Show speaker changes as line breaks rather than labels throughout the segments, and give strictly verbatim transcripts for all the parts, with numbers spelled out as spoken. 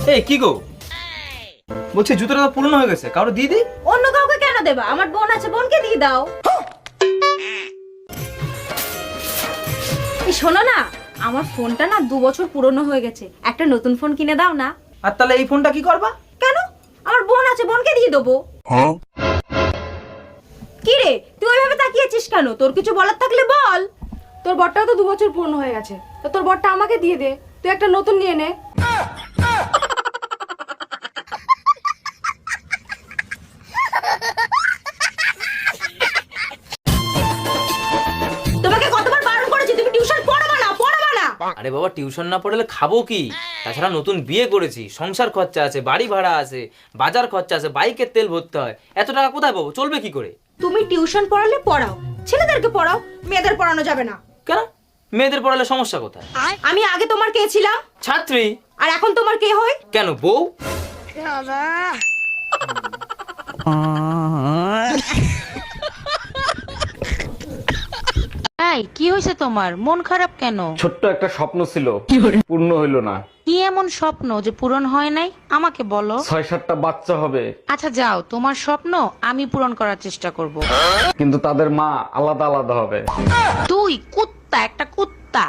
এই কি গো, বলছি জুতোটা তো পুরনো হয়ে গেছে, কারো দিয়ে দিই।
অন্য কাউকে কেন দেবা? আমার বোন আছে, বোনকে দিয়ে দাও। এই শোনো না, আমার ফোনটা না দু বছর পুরনো হয়ে গেছে, একটা নতুন ফোন কিনে দাও না।
আর তাহলে এই ফোনটা কি করবা?
কেন? আমার বোন আছে, বোনকে দিয়ে দেবো। কি রে, তুই ওইভাবে তাকিয়েছিস কেন? তোর কিছু বলার থাকলে বল।
তোর বরটাও তো দু বছর পুরনো হয়ে গেছে, তো তোর বরটা আমাকে দিয়ে দে, তুই একটা নতুন নিয়ে নে।
তোমাকে কতবার বারণ করেছি তুমি টিউশন পড়াবা না, পড়াবা না।
আরে বাবা, টিউশন না পড়লে খাবো কি? তাছাড়া নতুন বিয়ে করেছি, সংসার খরচা আছে, বাড়ি ভাড়া আছে, বাজার খরচা আছে, বাইকের তেল ভরতে হয়। এত টাকা কোথায় পাবো? চলবে কি করে?
তুমি টিউশন পড়ালে পড়াও, ছেলেদেরকে পড়াও, মেয়েদের পড়ানো যাবে না।
কেন? মেয়েদের পড়ালে সমস্যা কোথায়?
আমি আগে তোমার কে ছিলাম?
ছাত্রী।
আর এখন তোমার কে হই?
কেন বউ?
এই কি হয়েছে তোমার? মন খারাপ কেন?
ছোট্ট একটা স্বপ্ন ছিল, পূর্ণ হইল না।
কি এমন স্বপ্ন যে পূরণ হয় নাই আমাকে বলো।
ছয় সাতটা বাচ্চা হবে,
আচ্ছা যাও, তোমার স্বপ্ন আমি পূরণ করার চেষ্টা করব।
কিন্তু তাদের মা আলাদা আলাদা হবে।
তুই কুত্তা, একটা কুত্তা।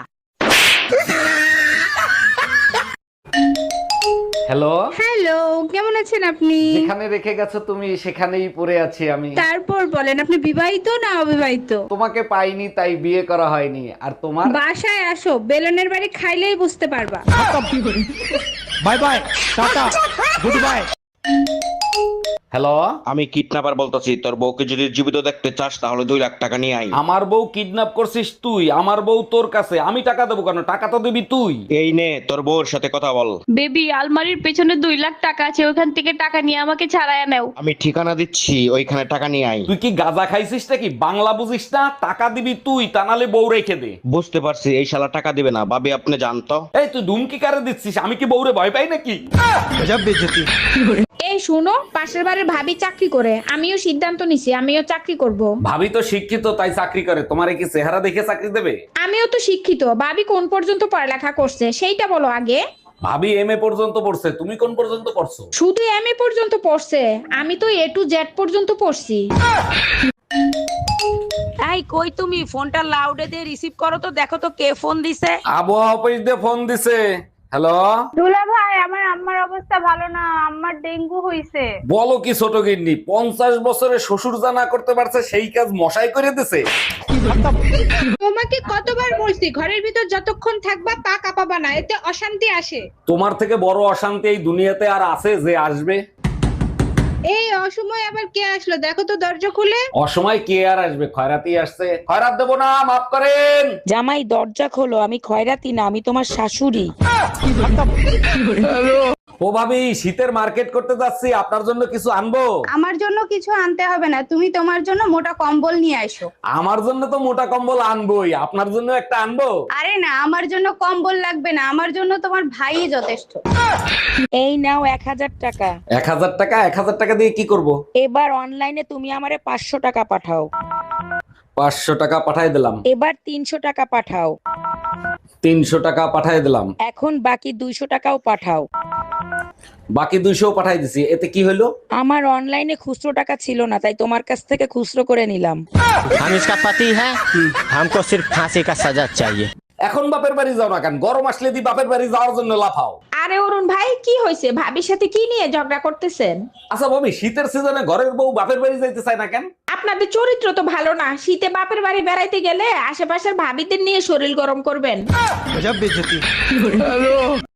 হ্যালো,
হ্যালো, কেমন আছেন আপনি?
যেখানে রেখে গেছো তুমি সেখানেই পড়ে আছি আমি।
তারপর বলেন, আপনি বিবাহিত না অবিবাহিত?
তোমাকে পাইনি তাই বিয়ে করা হয়নি। আর তোমার?
বাসায় আসো, বেলনের বাড়ি খাইলেই বুঝতে পারবা।
Bye bye, tata, good bye.
Hello,
আমি কিডন্যাপার বলতেছি, তোর বউকে যদি জীবিত দেখতে চাস তাহলে দুই লাখ টাকা নিয়ে আই।
আমার বউ কিডন্যাপ করছিস তুই? আমার বউ তোর কাছে, আমি টাকা দেবো কেন? টাকা তো দিবি তুই।
এই নে তোর বউর সাথে কথা বল।
বেবি, আলমারির পেছনে দুই লাখ টাকা আছে, ওখান থেকে টাকা নিয়ে আমাকে ছাড়াইয়া নাও।
আমি ঠিকানা দিচ্ছি, ওইখানে টাকা নিয়ে আই।
তুই কি গাঁজা খাইছিস নাকি? বাংলা বুঝিস না? টাকা দিবি তুই, তা নালে বউ রেখে দে।
বুঝতে পারছি, এই শালা টাকা দিবে না। ভাবি আপনি জানতো।
এই তুই ধুমকি কারে দিচ্ছিস? আমি কি বউরে ভয় পাই নাকি?
গজব বেইজ্জতি।
এই শুনো, পাশের বাড়ির ভাবি চাকরি করে, আমিও সিদ্ধান্ত নিছি আমিও চাকরি করব।
ভাবি তো শিক্ষিত তাই চাকরি করে, তোমারে কি চেহারা দেখে চাকরি দেবে?
আমিও তো শিক্ষিত, ভাবি কোন পর্যন্ত পড়ালেখা করছে সেইটা বলো আগে।
ভাবি এম এ পর্যন্ত পড়ছে, তুমি কোন পর্যন্ত পড়ছো?
শুধু এম এ পর্যন্ত পড়ছে, আমি তো এ টু জেড পর্যন্ত পড়ছি।
এই কই তুমি? ফোনটা লাউডে দিয়ে রিসিভ করো তো, দেখো তো কে ফোন দিছে।
আবহাওয়া অফিস দিয়ে ফোন দিছে। হ্যালো,
দুলা ভাই, আমার আম্মার অবস্থা ভালো না, আম্মার ডেঙ্গু হইছে।
বলো কি ছোট গিন্নি? পঞ্চাশ বছরে শ্বশুর যা না করতে পারছে সেই কাজ মশাই করে দিছে।
তোমাকে কতবার বলছি ঘরের ভিতর যতক্ষণ থাকবা পা কাঁপাবা না, এতে অশান্তি আসে।
তোমার থেকে বড় অশান্তি এই দুনিয়াতে আর আছে যে আসবে?
এই অসময় আবার কে আসলো? দেখো তো দরজা খুলে।
অসময় কে আর আসবে? খয়রাতি আসছে। খয়রাত দেবো না, মাফ করেন।
জামাই দরজা খোলো, আমি খয়রাতি না, আমি তোমার শাশুড়ি।
ও ভাবি, শীতের মার্কেট করতে যাচ্ছি, আপনার জন্য কিছু আনবো?
আমার জন্য কিছু আনতে হবে না, তুমি তোমার জন্য মোটা কম্বল নিয়ে আসো।
আমার জন্য তো মোটা কম্বল আনবোই, আপনার জন্য একটা আনবো?
আরে না, আমার জন্য কম্বল লাগবে না, আমার জন্য তোমার ভাই যথেষ্ট।
এই নাও এক হাজার টাকা।
এক হাজার টাকা? এক হাজার টাকা দিয়ে কি করব?
এবার অনলাইনে তুমি আমারে পাঁচশো টাকা পাঠাও।
পাঁচশো টাকা পাঠাই দিলাম।
এবার তিনশো টাকা পাঠাও।
তিনশো টাকা পাঠাই দিলাম।
এখন বাকি দুইশো টাকাও পাঠাও।
বাকি দুইশো পাঠাই দিছি, এতে কি হলো?
আমার অনলাইনে খুচরো টাকা ছিল না, তাই তোমার কাছ থেকে খুচরো করে নিলাম।
हम इसका पति है, हमको सिर्फ फांसी का सजा चाहिए।
এখন বাপের বাড়ি যাও না কেন? গরম আসলে দি বাপের বাড়ি যাওয়ার জন্য লাফাও।
আরে অরুণ ভাই, কি হয়েছে? ভাবির সাথে কি নিয়ে ঝগড়া করতেছেন?
আচ্ছা ভাবি, শীতের সিজনে ঘরের বউ বাপের বাড়ি যাইতে চায় না কেন?
আপনাদের চরিত্র তো ভালো না, শীতে বাপের বাড়ি বেড়াইতে গেলে আশেপাশের ভাবিদের নিয়ে শরীর গরম করবেন।
गजब बेइज्जती।